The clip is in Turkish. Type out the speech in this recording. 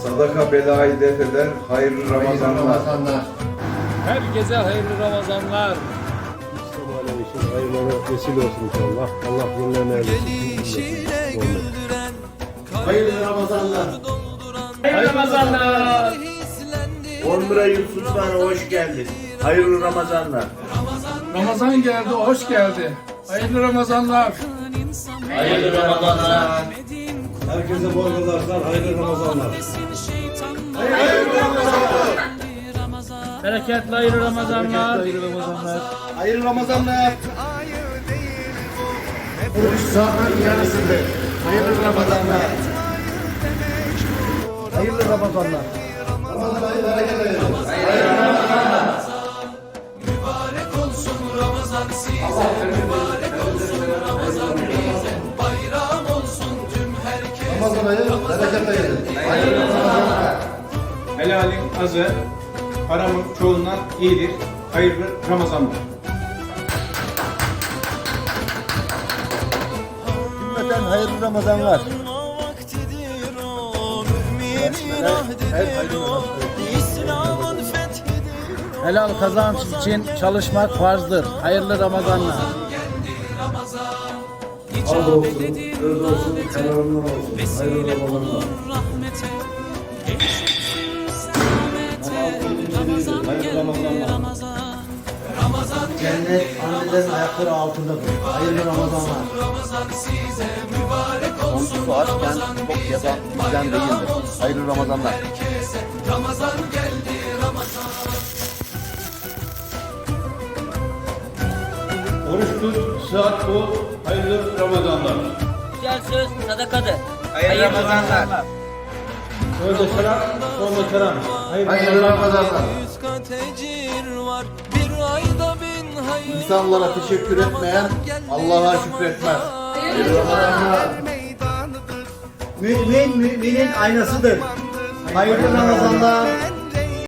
Sadaka belayı def eder, hayırlı Ramazanlar. Herkese hayırlı Ramazanlar. İşte hayırlara vesile olsun inşallah. Allah yıllarını eylesin. Hayırlı Ramazanlar. Hayırlı Ramazanlar. 11 Yusuf Sultan'a hoş geldin. Hayırlı Ramazanlar. Ramazan geldi, hoş geldi. Hayırlı Ramazanlar. Hayırlı Ramazanlar. Herkese bol kazançlar, hayırlı Ramazanlar. Bereketli hayırlı Ramazanlar. Hayırlı Ramazanlar. Oruç saat yarısıdır. Hayırlı Ramazanlar. Hayırlı Ramazanlar. Mübarek olsun Ramazan size, mübarek olsun Ramazan bize, bayram olsun tüm herkese. Ramazan ayı bereket ayıdır. Helalin azı, haramın çoğundan iyidir. Hayırlı Ramazanlar. Cümleten hayırlı Ramazanlar. Helal kazanç için çalışmak farzdır. Hayırlı Ramazanlar. Al olsun, öz olsun, kararından olsun. Hayırlı Ramazanlar. Cennet annelerin ayakları altındadır. Hayırlı Ramazanlar. Komşusu açken çok yazan bizden değildir. Hayırlı Ramazanlar. Ramazan geldi Ramazan. Oruç tut, saat bu. Hayırlı Ramazanlar. Güzel söz sadakadır. Hayırlı Ramazanlar. Sözde şarap, solda keram. Hayırlı Ramazanlar. İnsanlara teşekkür etmeyen Allah'a şükretmez. Hayırlı Ramazanlar. Mümin müminin aynasıdır. Hayırlı Ramazanlar.